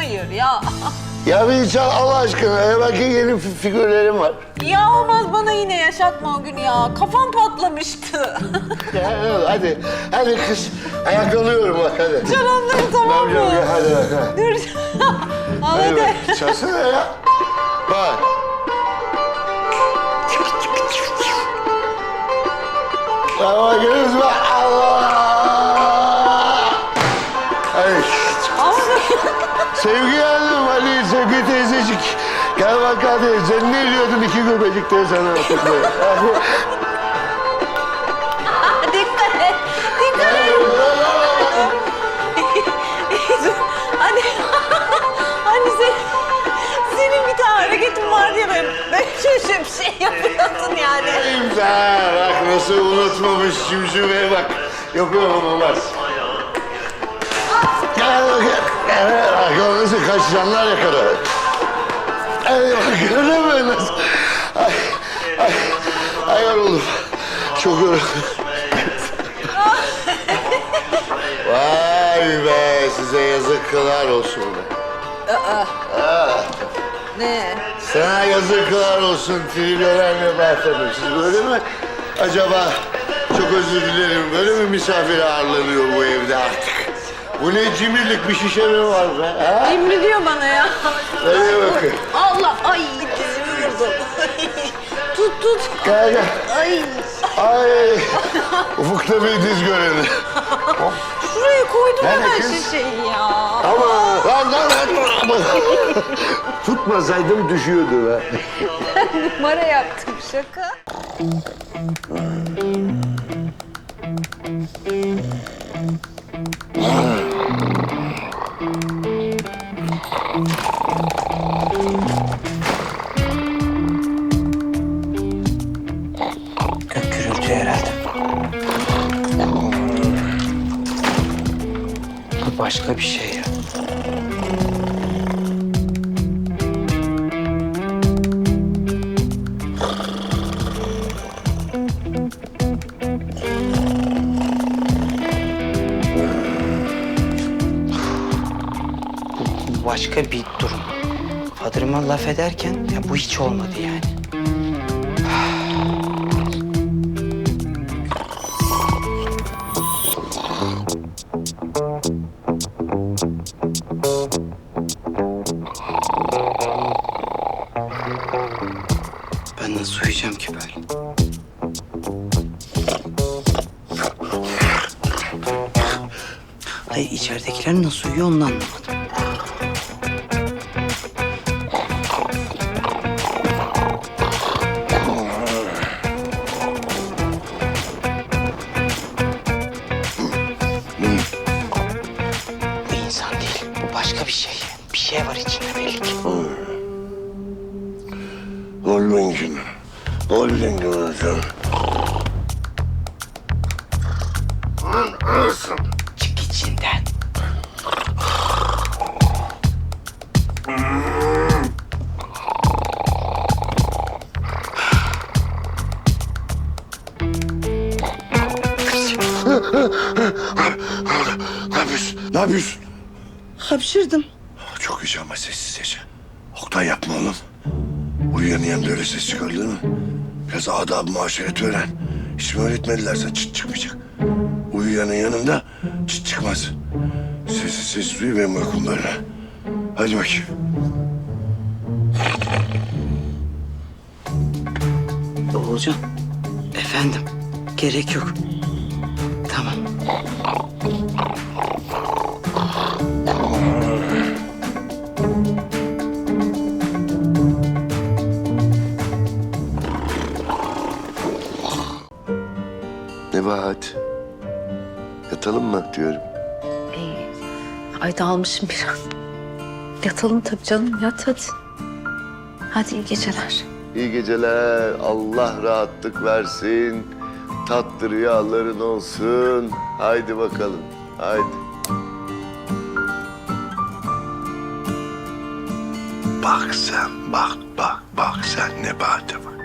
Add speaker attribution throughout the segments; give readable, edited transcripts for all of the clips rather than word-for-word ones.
Speaker 1: Hayır ya.
Speaker 2: Ya bir çal Allah aşkına. Ya belki yeni figürlerim var.
Speaker 1: Ya olmaz, bana yine yaşatma o günü ya. Kafam patlamıştı.
Speaker 2: Ya, hadi. Hadi kız. Ayaklanıyorum bak hadi.
Speaker 1: Çorapları tamam mı?
Speaker 2: Ya, hadi bak hadi.
Speaker 1: Dur. Al
Speaker 2: Hadi
Speaker 1: hadi.
Speaker 2: bak. Çalsana ya. Bak. Ama görüyor musun? Allah! Hadi. Sevgi Hanım, hadi Sevgi teyzecik. Gel bak hadi. Sen ne diyordun iki göbecik diye sana hatırlayın.
Speaker 1: Dikkat et. Dikkat et. Hani, hani senin bir tane hareketin vardı ya, ben şöyle bir şey yapıyordun yani.
Speaker 2: İmza. Bak nasıl unutmamış cimcimeye bak. Yapıyorum olmaz. Gel bak. Bak o nasıl kaç canlar yakaladı. Ay bak gördün mü nasıl? Ay yoruldum. Çok yoruldum. Vay be size yazıklar olsun be.
Speaker 1: Ne?
Speaker 2: Sana yazıklar olsun trilyoner Nebahat Hanım. Siz böyle mi? Acaba çok özür dilerim. Böyle mi misafir ağırlanıyor bu evde artık? Bu ne cimrilik, bir şişe mi var be? Ha?
Speaker 1: Emri diyor bana ya.
Speaker 2: Nereye bakın?
Speaker 1: Allah, ay dizimi vurdum. Tut.
Speaker 2: Gel gel.
Speaker 1: Ay.
Speaker 2: Ay. Ufukta bir diz göreni.
Speaker 1: Şuraya koydum
Speaker 2: Nerede
Speaker 1: hemen
Speaker 2: kız?
Speaker 1: şişeyi ya.
Speaker 2: Ama lan. Tutmasaydım düşüyordu be.
Speaker 1: Numara yaptım, şaka.
Speaker 3: Gök gürültü herhalde. Bu başka bir şey ya. Bu başka bir durum. Fadırıma laf ederken ya bu hiç olmadı yani. Ben nasıl uyuyacağım ki böyle? Hayır, içeridekiler nasıl uyuyor onu anlamadım. Bu insan değil, bu başka bir şey. Bir şey var içinde belli ki.
Speaker 2: Holding'im. Holding'im hocam. Anasın.
Speaker 3: Çık içinden.
Speaker 2: Ne yapıyorsun? Ne yapıyorsun?
Speaker 3: Hapşırdım.
Speaker 2: Çok güzel ama sessizce. Oktay yapma oğlum. Uyuyanın yanında öyle ses çıkarılır mı? Biraz adab-ı muaşeret öğren. Hiç mi öğretmediler sana çıt çıkmayacak? Uyuyanın yanında çıt çıkmaz. Sessiz uyu benim uykum böyle. Hadi bakayım.
Speaker 3: Oğulcan. Efendim. Gerek yok. Tamam.
Speaker 2: Nebahat. Yatalım mı diyorum.
Speaker 4: Ay dağılmışım biraz. Yatalım tabii canım, yat hadi. Hadi iyi geceler.
Speaker 2: İyi geceler. Allah rahatlık versin. Tatlı rüyaların olsun. Haydi bakalım. Haydi. Bak sen, bak sen Nebahat'e bak.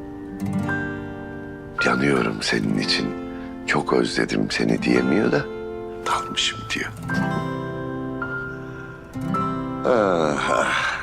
Speaker 2: Yanıyorum senin için. Çok özledim seni diyemiyor da dalmışım diyor. Ah.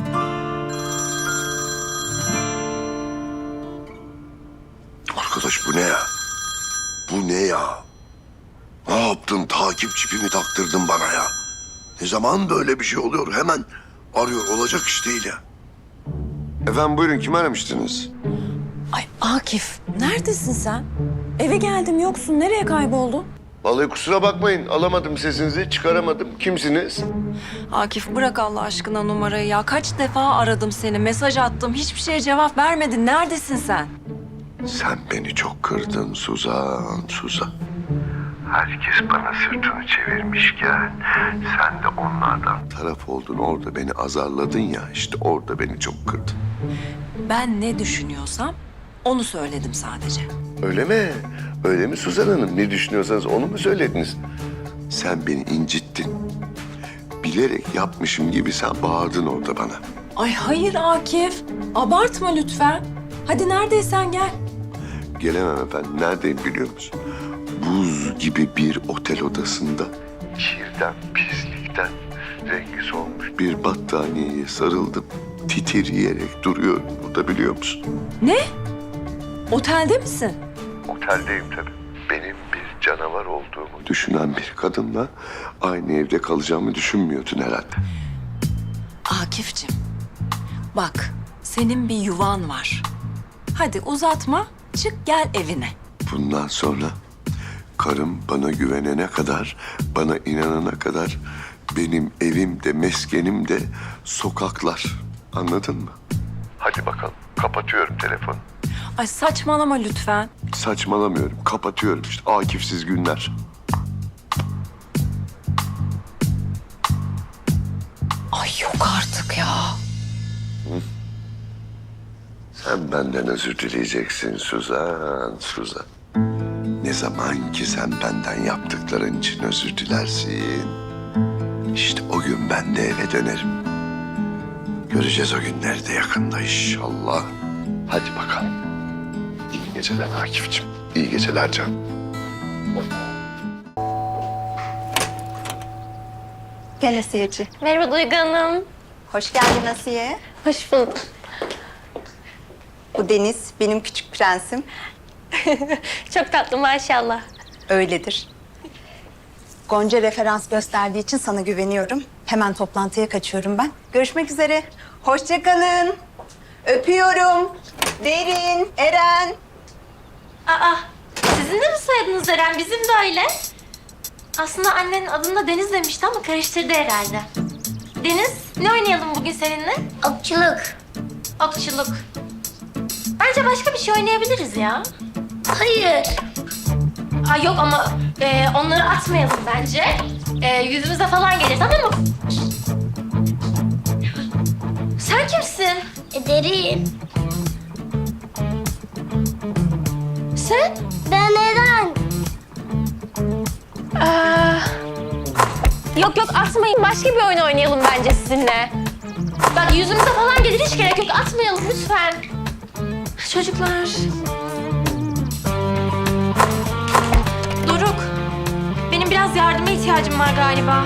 Speaker 2: Arkadaş bu ne ya? Bu ne ya? Ne yaptın? Takip çipimi taktırdın bana ya. Ne zaman böyle bir şey oluyor? Hemen arıyor. Olacak iş değil ya. Efendim buyurun, kim aramıştınız?
Speaker 1: Ay Akif, neredesin sen? Eve geldim yoksun. Nereye kayboldun?
Speaker 2: Vallahi kusura bakmayın, alamadım sesinizi, çıkaramadım. Kimsiniz?
Speaker 1: Akif bırak Allah aşkına numarayı ya. Kaç defa aradım seni, mesaj attım. Hiçbir şeye cevap vermedin. Neredesin sen?
Speaker 2: Sen beni çok kırdın Suzan, Suzan. Herkes bana sırtını çevirmişken sen de onlardan taraf oldun. Orada beni azarladın ya, işte orada beni çok kırdın.
Speaker 1: Ben ne düşünüyorsam onu söyledim sadece.
Speaker 2: Öyle mi? Öyle mi Suzan Hanım? Ne düşünüyorsanız onu mu söylediniz? Sen beni incittin. Bilerek yapmışım gibi sen bağırdın orada bana.
Speaker 1: Ay hayır Akif. Abartma lütfen. Hadi neredeysen gel.
Speaker 2: Gelemem efendim. Neredeyim biliyor musun? Buz gibi bir otel odasında. Kirden, pislikten rengi solmuş bir battaniyeye sarıldım. Titreyerek duruyorum burada biliyor musun?
Speaker 1: Ne? Otelde misin?
Speaker 2: Oteldeyim tabii. Benim bir canavar olduğumu düşünen bir kadınla aynı evde kalacağımı düşünmüyordun herhalde.
Speaker 1: Akif'cim, bak senin bir yuvan var. Hadi uzatma, çık gel evine.
Speaker 2: Bundan sonra karım bana güvenene kadar, bana inanana kadar benim evim de meskenim de sokaklar. Anladın mı? Hadi bakalım. Kapatıyorum telefonu.
Speaker 1: Ay saçmalama lütfen.
Speaker 2: Saçmalamıyorum. Kapatıyorum işte. Akifsiz günler.
Speaker 1: Ay yok artık ya.
Speaker 2: Sen benden özür dileyeceksin Suzan, Suzan. Ne zaman ki sen benden yaptıkların için özür dilersin, İşte o gün ben de eve dönerim. Göreceğiz o günleri de yakında inşallah. Hadi bakalım. İyi geceler Akif'ciğim. İyi geceler canım.
Speaker 5: Gel Asiyeciğim.
Speaker 6: Merhaba Duygu Hanım.
Speaker 5: Hoş geldin Asiye.
Speaker 6: Hoş bulduk.
Speaker 5: Bu Deniz, benim küçük prensim.
Speaker 6: Çok tatlı maşallah.
Speaker 5: Öyledir. Gonca referans gösterdiği için sana güveniyorum. Hemen toplantıya kaçıyorum ben. Görüşmek üzere. Hoşça kalın. Öpüyorum. Derin, Eren.
Speaker 6: Aa, sizin de mi soyadınız Eren? Bizim de öyle. Aslında annenin adını Deniz demişti ama karıştırdı herhalde. Deniz, ne oynayalım bugün seninle?
Speaker 7: Okçuluk.
Speaker 6: Okçuluk. Bence başka bir şey oynayabiliriz ya.
Speaker 7: Hayır.
Speaker 6: Aa, yok ama onları atmayalım bence. Yüzümüze falan gelir, tamam mı? Sen kimsin?
Speaker 7: Derin.
Speaker 6: Sen?
Speaker 7: Ben Eren.
Speaker 6: Yok yok atmayın. Başka bir oyun oynayalım bence sizinle. Bak yüzümüze falan gelir, hiç gerek yok. Atmayalım lütfen. Çocuklar. Doruk. Benim biraz yardıma ihtiyacım var galiba.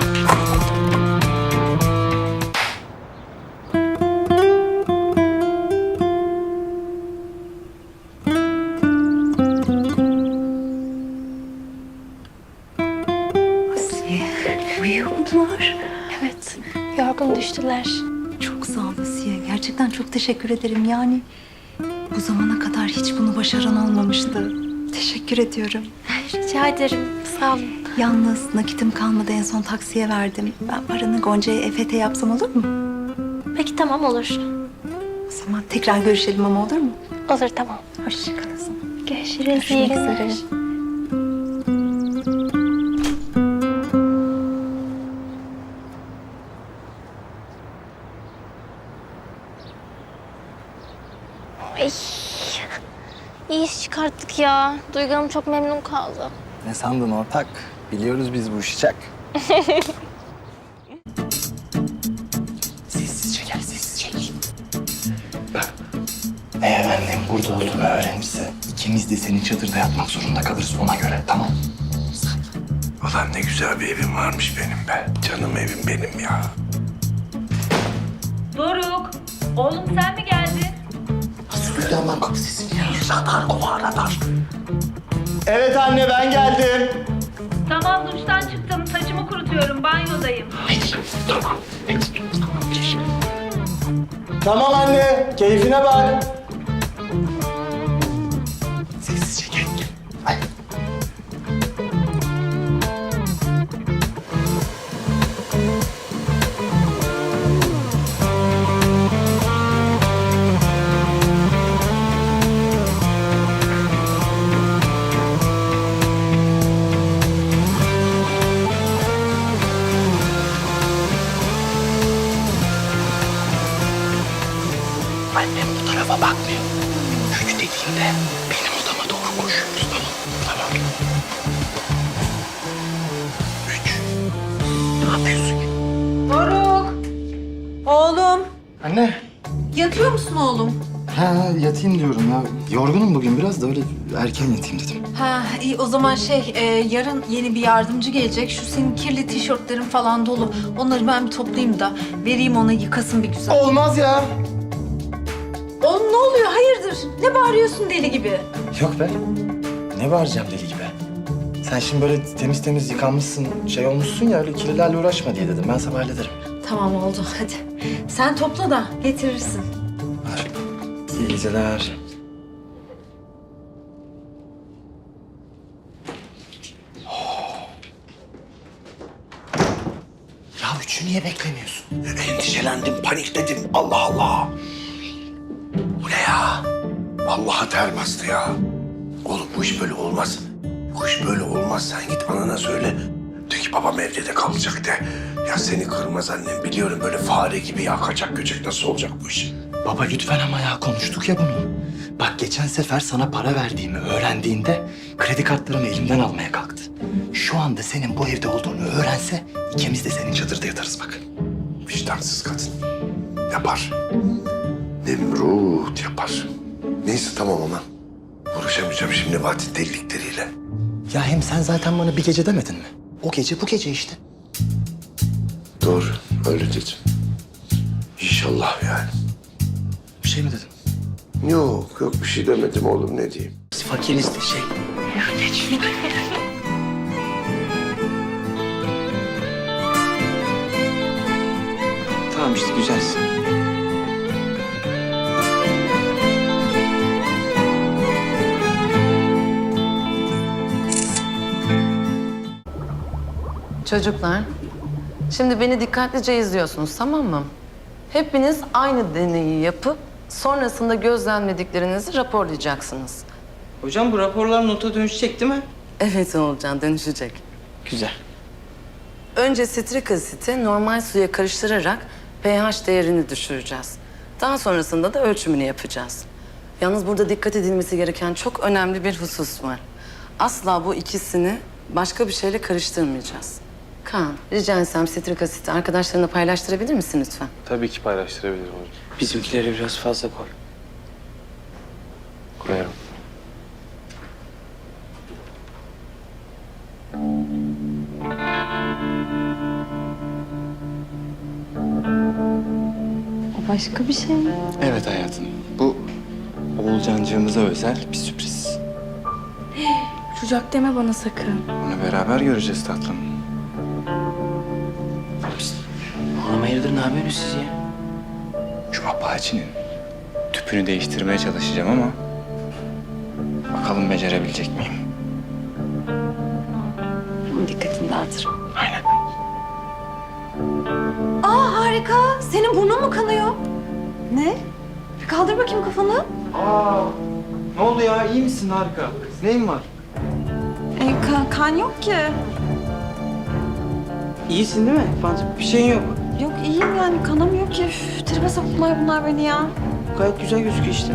Speaker 5: Asiye, uyuyorlar.
Speaker 6: Evet. Yorgun düştüler.
Speaker 5: Çok sağ ol Asiye. Gerçekten çok teşekkür ederim. Yani bu zamana kadar hiç bunu başaran olmamıştı. Teşekkür ediyorum.
Speaker 6: Rica ederim. Sağ olun.
Speaker 5: Yalnız nakitim kalmadı. En son taksiye verdim. Ben paranı Gonca'ya EFT yapsam olur mu?
Speaker 6: Peki tamam olur.
Speaker 5: O zaman tekrar görüşelim ama olur mu?
Speaker 6: Olur tamam.
Speaker 5: Hoşça kal o zaman.
Speaker 6: Görüşürüz.
Speaker 5: Görüşmek
Speaker 6: İyi günler.
Speaker 5: üzere.
Speaker 6: Ay. İyi iş çıkarttık ya. Duygu Hanım çok memnun kaldı.
Speaker 3: Ne sandın ortak? Biliyoruz biz bu işi çak. Sessizce gel, sessizce gel. Eğer annem burada olduğunu öğrenirse ikimiz de senin çadırda yatmak zorunda kalırız ona göre, tamam?
Speaker 2: Ulan ne güzel bir evim varmış benim be. Canım evim benim ya.
Speaker 1: Oğlum sen mi geldin?
Speaker 3: Nasıl duydu hemen kapı sesini ya? Radar kova radar. Evet anne ben geldim.
Speaker 1: Tamam duştan çıktım. Saçımı kurutuyorum. Banyodayım.
Speaker 3: Tamam anne keyfine bak. Sessizce gel. Ay. Annem bu tarafa bakmıyor. Üç dediğinde benim odama doğru koşuyoruz, tamam? Tamam. Üç. Ne yapıyorsun ya?
Speaker 1: Doruk. Oğlum.
Speaker 3: Anne.
Speaker 1: Yatıyor musun oğlum?
Speaker 3: Ha yatayım diyorum ya. Yorgunum bugün biraz da öyle erken yatayım dedim.
Speaker 5: Ha iyi o zaman yarın yeni bir yardımcı gelecek. Şu senin kirli tişörtlerin falan dolu. Onları ben bir toplayayım da vereyim ona yıkasın bir güzel.
Speaker 3: Olmaz ya.
Speaker 5: Oğlum ne oluyor? Hayırdır? Ne bağırıyorsun deli gibi?
Speaker 3: Yok be. Ne bağıracağım deli gibi? Sen şimdi böyle temiz temiz yıkanmışsın, şey olmuşsun ya öyle kirlilerle uğraşma diye dedim. Ben sabah hallederim.
Speaker 5: Tamam oldu hadi. Sen topla da getirirsin.
Speaker 3: Var. İyi geceler. Ya üçü niye beklemiyorsun?
Speaker 2: Endişelendim, panikledim. Allah Allah. Bu ne ya? Vallahi ter bastı ya. Oğlum bu iş böyle olmaz. Bu iş böyle olmaz. Sen git anana söyle. De ki babam evde de kalacak de. Ya seni kırmaz annem. Biliyorum böyle fare gibi ya kaçak göçek nasıl olacak bu iş?
Speaker 3: Baba lütfen ama ya konuştuk ya bunu. Bak geçen sefer sana para verdiğimi öğrendiğinde kredi kartlarımı elimden almaya kalktı. Şu anda senin bu evde olduğunu öğrense ikimiz de senin çadırda yatarız bak.
Speaker 2: Vicdansız kadın. Yapar. Nemrut yapar. Neyse tamam ama. Uğraşamayacağım şimdi Nebat'in delilikleriyle.
Speaker 3: Ya hem sen zaten bana bir gece demedin mi? O gece bu gece işte.
Speaker 2: Doğru, öyle dedim. İnşallah yani.
Speaker 3: Bir şey mi dedim?
Speaker 2: Yok bir şey demedim oğlum ne diyeyim.
Speaker 3: Biz fakiriz de şey. Tamam işte güzelsin.
Speaker 4: Çocuklar, şimdi beni dikkatlice izliyorsunuz, tamam mı? Hepiniz aynı deneyi yapıp sonrasında gözlemlediklerinizi raporlayacaksınız.
Speaker 8: Hocam bu raporlar nota dönüşecek değil mi?
Speaker 4: Evet Oğulcan, dönüşecek.
Speaker 8: Güzel.
Speaker 4: Önce sitrik asiti normal suya karıştırarak pH değerini düşüreceğiz. Daha sonrasında da ölçümünü yapacağız. Yalnız burada dikkat edilmesi gereken çok önemli bir husus var. Asla bu ikisini başka bir şeyle karıştırmayacağız. Kaan, rica etsem sitrik asiti arkadaşlarına paylaştırabilir misin lütfen?
Speaker 9: Tabii ki paylaştırabilirim hocam.
Speaker 8: Bizimkileri biraz fazla koy.
Speaker 9: Koyarım.
Speaker 5: O başka bir şey mi?
Speaker 9: Evet hayatım. Bu Oğulcancığımıza özel bir sürpriz.
Speaker 5: Uçacak deme bana sakın.
Speaker 9: Onu beraber göreceğiz tatlım.
Speaker 8: Oğlum hayırdır ne yapıyorsunuz siz ya?
Speaker 9: Şu Apache'nin tüpünü değiştirmeye çalışacağım ama bakalım becerebilecek miyim?
Speaker 4: Onun dikkatini dağıtırım.
Speaker 9: Aynen.
Speaker 5: Aa harika. Senin burnun mu kanıyor? Ne? Bir kaldır bakayım kafanı.
Speaker 9: Ne oldu ya? İyi misin? Harika. Neyin var?
Speaker 5: Kan yok ki.
Speaker 8: İyisin değil mi? Bir şeyin yok.
Speaker 5: Yok iyiyim yani kanamıyor ki. Üf, tribe soktular bunlar beni ya.
Speaker 8: Gayet güzel gözüküyor işte.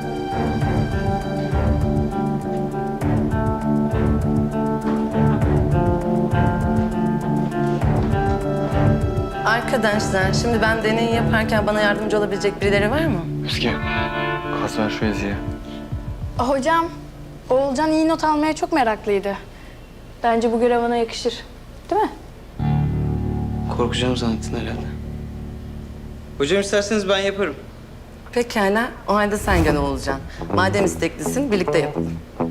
Speaker 4: Arkadaşlar, şimdi ben deneyi yaparken bana yardımcı olabilecek birileri var mı?
Speaker 9: Özge, kas ver şu Ezgi'ye.
Speaker 10: Hocam, Oğulcan iyi not almaya çok meraklıydı. Bence bu görev ona yakışır. Değil mi?
Speaker 8: Korkacağım zannettin herhalde. Hocam isterseniz ben yaparım.
Speaker 4: Pekala, o halde sen gene Oğulcan. Madem isteklisin, birlikte yapalım.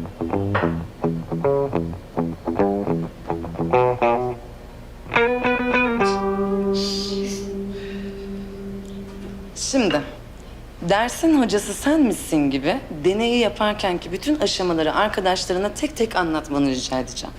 Speaker 4: Şimdi, dersin hocası sen misin gibi deneyi yaparkenki bütün aşamaları arkadaşlarına tek tek anlatmanı rica edeceğim.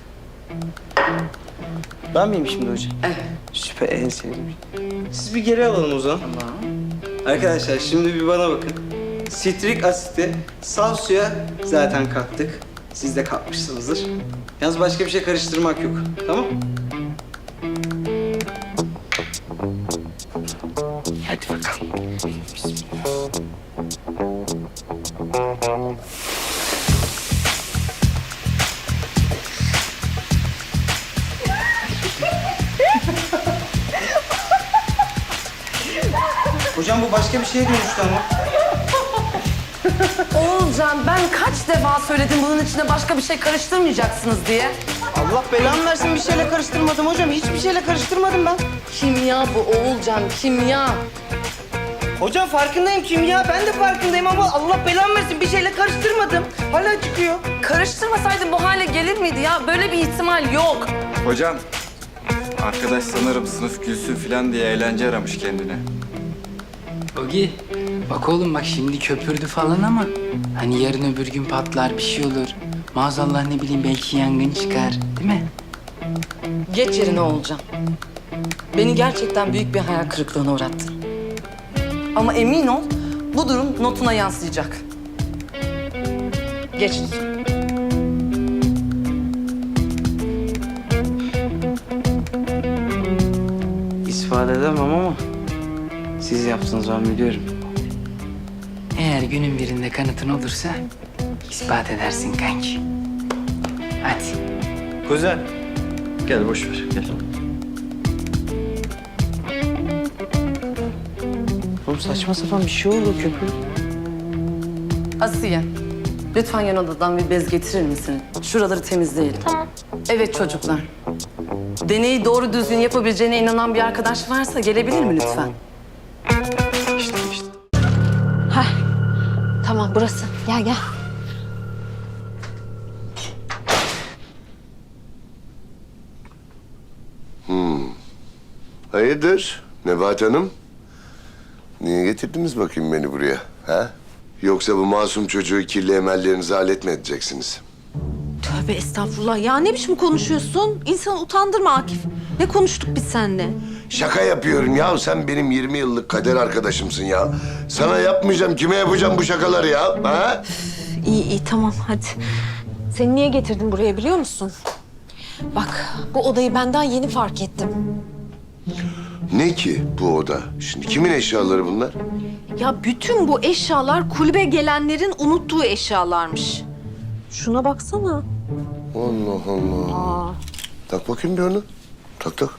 Speaker 8: Ben miyim şimdi hocam?
Speaker 4: Evet.
Speaker 8: Süper, en sevdiğim. Siz bir geri alalım o zaman.
Speaker 4: Tamam.
Speaker 8: Arkadaşlar şimdi bir bana bakın. Sitrik asiti saf suya zaten kattık. Siz de katmışsınızdır. Yalnız başka bir şey karıştırmak yok. Tamam?
Speaker 3: Hadi bakalım.
Speaker 8: Hocam bu başka bir şeye dönüştü ama.
Speaker 4: Oğulcan, ben kaç defa söyledim bunun içine başka bir şey karıştırmayacaksınız diye.
Speaker 8: Allah belamı versin, bir şeyle karıştırmadım hocam. Hiçbir şeyle karıştırmadım ben.
Speaker 4: Kimya bu Oğulcan, kimya.
Speaker 8: Hocam farkındayım kimya. Ben de farkındayım ama Allah belamı versin, bir şeyle karıştırmadım. Hala çıkıyor.
Speaker 4: Karıştırmasaydın bu hale gelir miydi ya? Böyle bir ihtimal yok.
Speaker 9: Hocam, arkadaş sanırım sınıf gülsün falan diye eğlence aramış kendine.
Speaker 11: Ogi, bak oğlum bak şimdi köpürdü falan ama hani yarın öbür gün patlar bir şey olur. Maazallah ne bileyim belki yangın çıkar değil mi?
Speaker 4: Geç yerine Oğulcan. Beni gerçekten büyük bir hayal kırıklığına uğrattın. Ama emin ol bu durum notuna yansıyacak. Geç lütfen.
Speaker 8: İspat edemem ama siz yaptınız, ben biliyorum.
Speaker 11: Eğer günün birinde kanıtın olursa ispat edersin kanki. Hadi.
Speaker 9: Kuzen, gel boş ver, gel.
Speaker 8: Oğlum saçma sapan bir şey oldu köpüğü.
Speaker 4: Asiye, lütfen yan odadan bir bez getirir misin? Şuraları temizleyelim.
Speaker 6: Tamam.
Speaker 4: Evet çocuklar. Deneyi doğru düzgün yapabileceğine inanan bir arkadaş varsa gelebilir mi lütfen?
Speaker 9: İşte.
Speaker 5: Tamam burası. Gel gel.
Speaker 2: Hayırdır Nebahat Hanım? Niye getirdiniz bakayım beni buraya? Ha? Yoksa bu masum çocuğu kirli emellerinize alet mi edeceksiniz?
Speaker 1: Tövbe estağfurullah. Ya ne biçim konuşuyorsun? İnsanı utandırma Akif. Ne konuştuk biz seninle?
Speaker 2: Şaka yapıyorum ya. Sen benim 20 yıllık kader arkadaşımsın ya. Sana yapmayacağım. Kime yapacağım bu şakaları ya? Ha?
Speaker 1: İyi tamam hadi. Seni niye getirdim buraya biliyor musun? Bak bu odayı benden yeni fark ettim.
Speaker 2: Ne ki bu oda? Şimdi kimin eşyaları bunlar?
Speaker 1: Ya bütün bu eşyalar kulübe gelenlerin unuttuğu eşyalarmış. Şuna baksana.
Speaker 2: Allah Allah. Tak bakayım bir onu. Tak tak.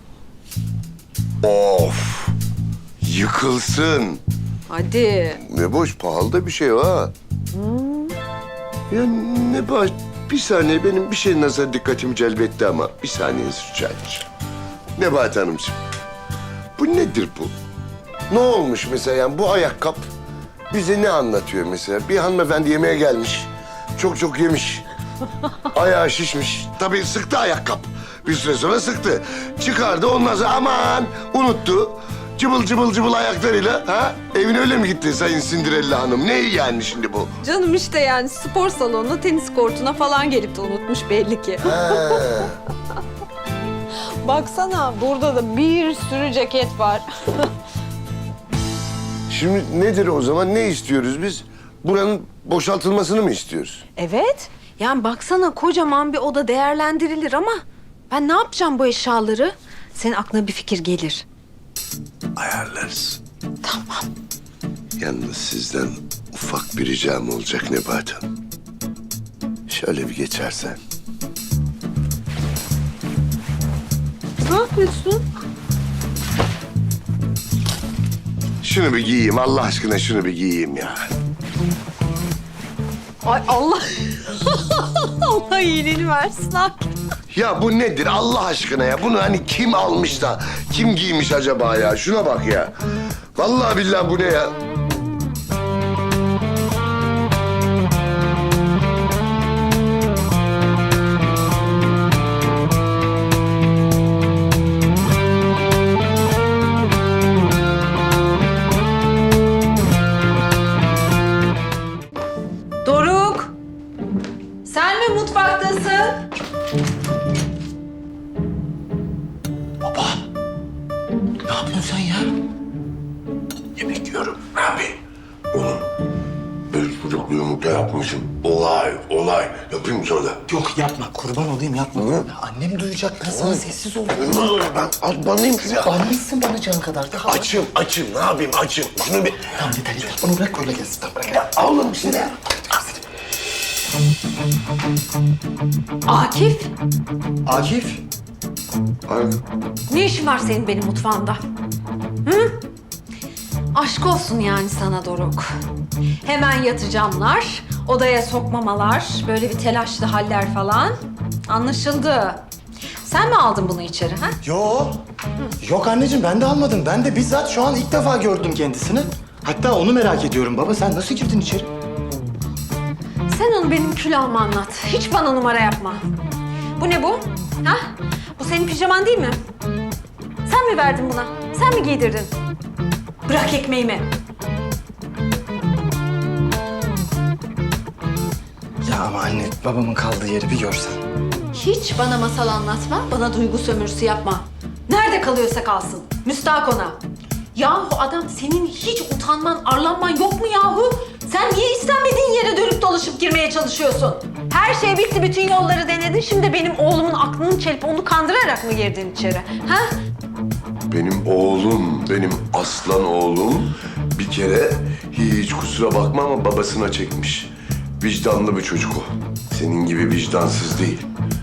Speaker 2: Of! Yıkılsın.
Speaker 1: Hadi.
Speaker 2: Ne boş, pahalı da bir şey ha. Ya ne baş... Bir saniye, benim bir şey nazar dikkatimi celbetti ama bir saniyenizi rica edeceğim. Nebahat Hanımcığım, bu nedir bu? Ne olmuş mesela yani bu ayakkabı bize ne anlatıyor mesela? Bir hanımefendi yemeğe gelmiş, çok yemiş, ayağı şişmiş. Tabii sıktı ayakkabı. Bir süre sonra sıktı. Çıkardı ondan sonra aman unuttu. Cıbıl ayaklarıyla ha? Evine öyle mi gitti Sayın Cinderella Hanım? Ne yani şimdi bu?
Speaker 1: Canım işte yani spor salonuna, tenis kortuna falan gelip de unutmuş belli ki.
Speaker 2: Ha.
Speaker 1: Baksana burada da bir sürü ceket var.
Speaker 2: Şimdi nedir o zaman? Ne istiyoruz biz? Buranın boşaltılmasını mı istiyoruz?
Speaker 1: Evet. Yani baksana kocaman bir oda değerlendirilir ama ben ne yapacağım bu eşyaları? Senin aklına bir fikir gelir.
Speaker 2: Ayarlarız.
Speaker 1: Tamam.
Speaker 2: Yalnız sizden ufak bir ricam olacak Nebahat Hanım. Şöyle bir geçersen.
Speaker 1: Ne yapıyorsun?
Speaker 2: Şunu bir giyeyim. Allah aşkına şunu bir giyeyim ya.
Speaker 1: Ay Allah. Allah iyiliğini versin Akif.
Speaker 2: Ya bu nedir Allah aşkına ya? Bunu hani kim almış da kim giymiş acaba ya? Şuna bak ya. Vallahi billahi bu ne ya? yapmışım. Olay. Yapayım mı sana da?
Speaker 3: Yok yapma, kurban olayım yapma. Annem duyacak, ben sana sessiz ol.
Speaker 2: Olmaz olur, ben banlayayım şunu ya.
Speaker 3: Annesin bana can kadar. Daha
Speaker 2: Açım, ne yapayım açım. Şunu bir...
Speaker 3: Tamam yeter. Onu bırak öyle gelsin. Tamam bırak.
Speaker 2: Ya oğlum işte ya.
Speaker 1: Akif,
Speaker 3: Akif.
Speaker 2: Ay,
Speaker 1: ne işin var senin benim mutfağımda? Hı? Aşk olsun yani sana Doruk. Hemen yatacağımlar, odaya sokmamalar, böyle bir telaşlı haller falan. Anlaşıldı. Sen mi aldın bunu içeri ha?
Speaker 3: Yok anneciğim ben de almadım. Ben de bizzat şu an ilk defa gördüm kendisini. Hatta onu merak ediyorum baba. Sen nasıl girdin içeri?
Speaker 1: Sen onu benim külahıma anlat. Hiç bana numara yapma. Bu ne bu? Ha? Bu senin pijaman değil mi? Sen mi verdin buna? Sen mi giydirdin? Bırak ekmeğimi.
Speaker 3: Ya ama anne babamın kaldığı yeri bir görsen.
Speaker 1: Hiç bana masal anlatma, bana duygu sömürüsü yapma. Nerede kalıyorsa kalsın. Müstahak ona. Yahu adam senin hiç utanman, arlanman yok mu yahu? Sen niye istenmediğin yere dönüp dolaşıp girmeye çalışıyorsun? Her şey bitti, bütün yolları denedin. Şimdi benim oğlumun aklını çelip onu kandırarak mı girdin içeri? Ha?
Speaker 2: benim oğlum, benim aslan oğlum bir kere hiç kusura bakma ama babasına çekmiş. Vicdanlı bir çocuk o. Senin gibi vicdansız değil.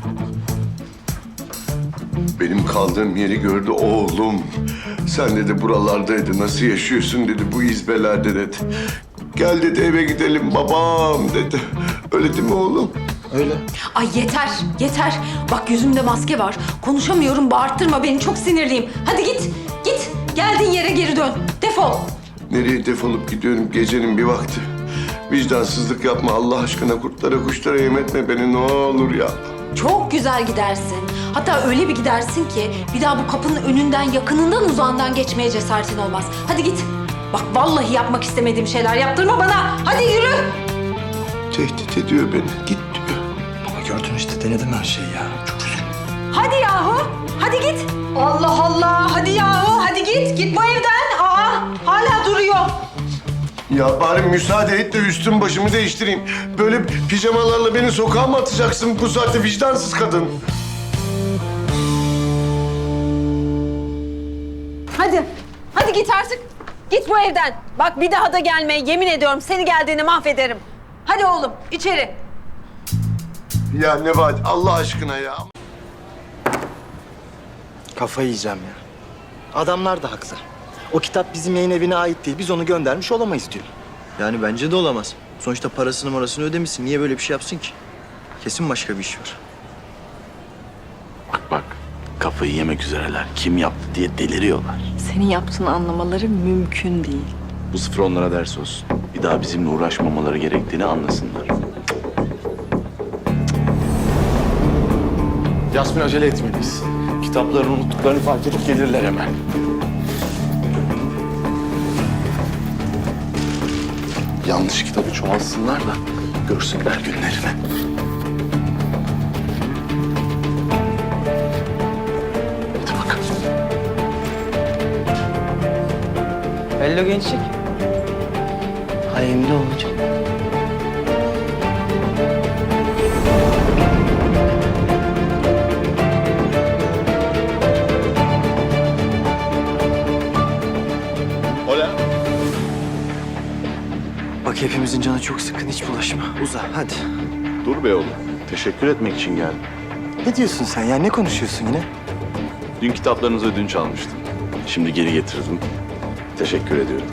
Speaker 2: Benim kaldığım yeri gördü oğlum. Sen dedi buralardaydı, nasıl yaşıyorsun dedi, bu izbelerde dedi. Gel dedi eve gidelim babam dedi. Öyle değil mi oğlum?
Speaker 3: Öyle.
Speaker 1: Ay yeter, yeter. Bak yüzümde maske var. Konuşamıyorum, bağırttırma beni. Çok sinirliyim. Hadi git, git. Geldiğin yere geri dön. Defol.
Speaker 2: Nereye defolup gidiyorum gecenin bir vakti? Vicdansızlık yapma Allah aşkına, kurtlara kuşlara yem etme beni ne olur ya.
Speaker 1: Çok güzel gidersin. Hatta öyle bir gidersin ki bir daha bu kapının önünden, yakınından, uzağından geçmeye cesaretin olmaz. Hadi git. Bak vallahi yapmak istemediğim şeyler yaptırma bana. Hadi yürü.
Speaker 2: Tehdit ediyor beni, git diyor.
Speaker 3: Baba gördün işte denedim her şeyi ya. Çok üzüldüm.
Speaker 1: Hadi yahu. Hadi git. Allah Allah. Hadi yahu. Hadi git. Git bu evden. Aa, hala duruyor.
Speaker 2: Ya bari müsaade et de üstüm başımı değiştireyim. Böyle pijamalarla beni sokağa mı atacaksın bu saatte vicdansız kadın?
Speaker 1: Hadi. Hadi git artık. Git bu evden. Bak bir daha da gelme. Yemin ediyorum seni geldiğini mahvederim. Hadi oğlum içeri.
Speaker 2: Ya Nebahat Allah aşkına ya.
Speaker 3: Kafayı yiyeceğim ya. Adamlar da haklı. O kitap bizim yayın evine ait değil. Biz onu göndermiş olamayız diyor.
Speaker 12: Yani bence de olamaz. Sonuçta parasını ödemişsin. Niye böyle bir şey yapsın ki? Kesin başka bir iş var.
Speaker 13: Bak, kafayı yemek üzereler. Kim yaptı diye deliriyorlar.
Speaker 5: Senin yaptığını anlamaları mümkün değil.
Speaker 13: Bu sıfır onlara ders olsun. Bir daha bizimle uğraşmamaları gerektiğini anlasınlar.
Speaker 9: Yasmin acele etmeliyiz. Kitaplarını unuttuklarını fark edip gelirler hemen. Yanlış kitabı çoğalsınlar da görsünler günlerini. Hadi bakalım.
Speaker 8: Hello gençlik. Hayırlı olacak.
Speaker 12: Bak hepimizin canı çok sıkkın. Hiç bulaşma. Uza hadi.
Speaker 13: Dur be oğlum. Teşekkür etmek için geldim.
Speaker 3: Ne diyorsun sen ya? Ne konuşuyorsun yine?
Speaker 13: Dün kitaplarınızı ödünç almıştım. Şimdi geri getirdim. Teşekkür ediyorum.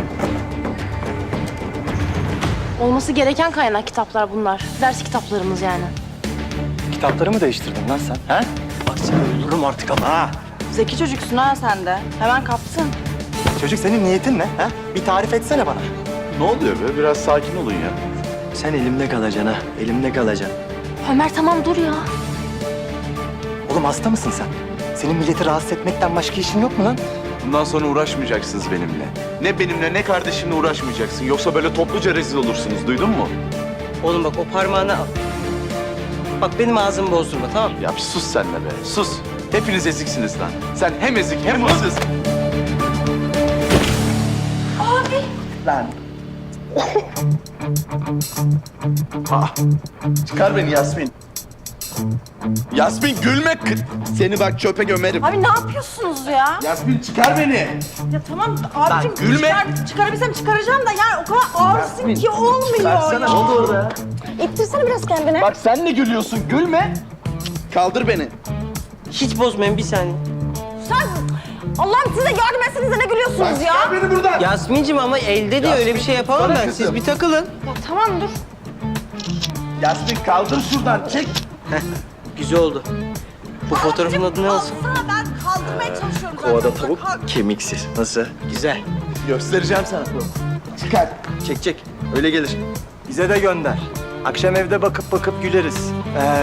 Speaker 10: Olması gereken kaynak kitaplar bunlar. Ders kitaplarımız yani.
Speaker 3: Kitapları mı değiştirdin lan sen? Ha? Bak seni öldürürüm artık ama ha.
Speaker 10: Zeki çocuksun ha sen de. Hemen kaptın.
Speaker 3: Çocuk senin niyetin ne? Ha? Bir tarif etsene bana.
Speaker 13: Ne oluyor be? Biraz sakin olun ya.
Speaker 12: Sen elimde kalacaksın ha. Elimde kalacaksın.
Speaker 10: Ömer tamam dur ya.
Speaker 3: Oğlum hasta mısın sen? Senin milleti rahatsız etmekten başka işin yok mu lan?
Speaker 13: Bundan sonra uğraşmayacaksınız benimle. Ne benimle ne kardeşimle uğraşmayacaksın. Yoksa böyle topluca rezil olursunuz. Duydun mu?
Speaker 8: Oğlum bak o parmağını al. Bak benim ağzımı bozdurma tamam mı?
Speaker 13: Ya bir sus sen de be. Sus. Hepiniz eziksiniz lan. Sen hem ezik hem hırsız.
Speaker 3: Lan
Speaker 13: Çıkar beni Yasmin. Yasmin gülme. Seni bak çöpe gömerim.
Speaker 10: Abi ne yapıyorsunuz ya?
Speaker 13: Yasmin çıkar beni.
Speaker 10: Ya tamam abicim
Speaker 13: gülme.
Speaker 10: çıkarabilsem çıkaracağım da yani o kadar ağırsın ki olmuyor ya.
Speaker 13: Ne oldu orada?
Speaker 10: İttirsene biraz kendine.
Speaker 13: Bak sen de gülüyorsun. Gülme. Kaldır beni.
Speaker 8: Hiç bozmayın bir saniye.
Speaker 10: Sen Allah'ım size yardım etsenize ne gülüyorsunuz ya?
Speaker 13: Çıkar beni buradan.
Speaker 8: Yasmin'cim ama elde de öyle bir şey yapamam
Speaker 13: Bana
Speaker 8: ben.
Speaker 13: kızım.
Speaker 8: Siz bir takılın.
Speaker 10: Ya tamam dur.
Speaker 13: Yasmin kaldır şuradan. Çek.
Speaker 8: Güzel oldu. Bu fotoğrafın adı ne olsun?
Speaker 10: Alsana ben kaldırmaya çalışıyorum zaten.
Speaker 12: Kovada tavuk kemiksiz. Nasıl?
Speaker 8: Güzel.
Speaker 13: Göstereceğim sana. Çıkar.
Speaker 12: Çek çek. Öyle gelir. Bize de gönder. Akşam evde bakıp güleriz.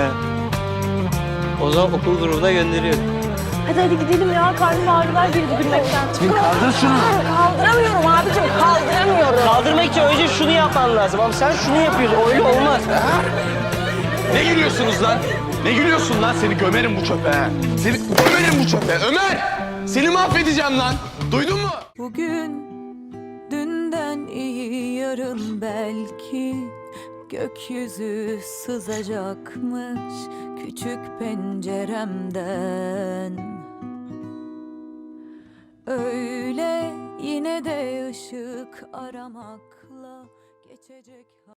Speaker 8: O zaman okul grubuna gönderiyorum.
Speaker 10: Hadi gidelim ya. Karnım ağrılar girdi gülmekten.
Speaker 13: Kaldır şunu.
Speaker 10: Kaldıramıyorum abicim kaldıramıyorum.
Speaker 8: Kaldırmak için önce şunu yapman lazım ama sen şunu yapıyorsun. Öyle olmaz.
Speaker 13: Ne gülüyorsunuz lan? Ne gülüyorsun lan? Seni gömerim bu çöpe. Seni gömerim bu çöpe. Ömer! Seni mahvedeceğim lan. Duydun mu?
Speaker 5: Bugün dünden iyi yarın belki gökyüzü sızacakmış küçük penceremden. Öyle yine de ışık aramakla geçecek.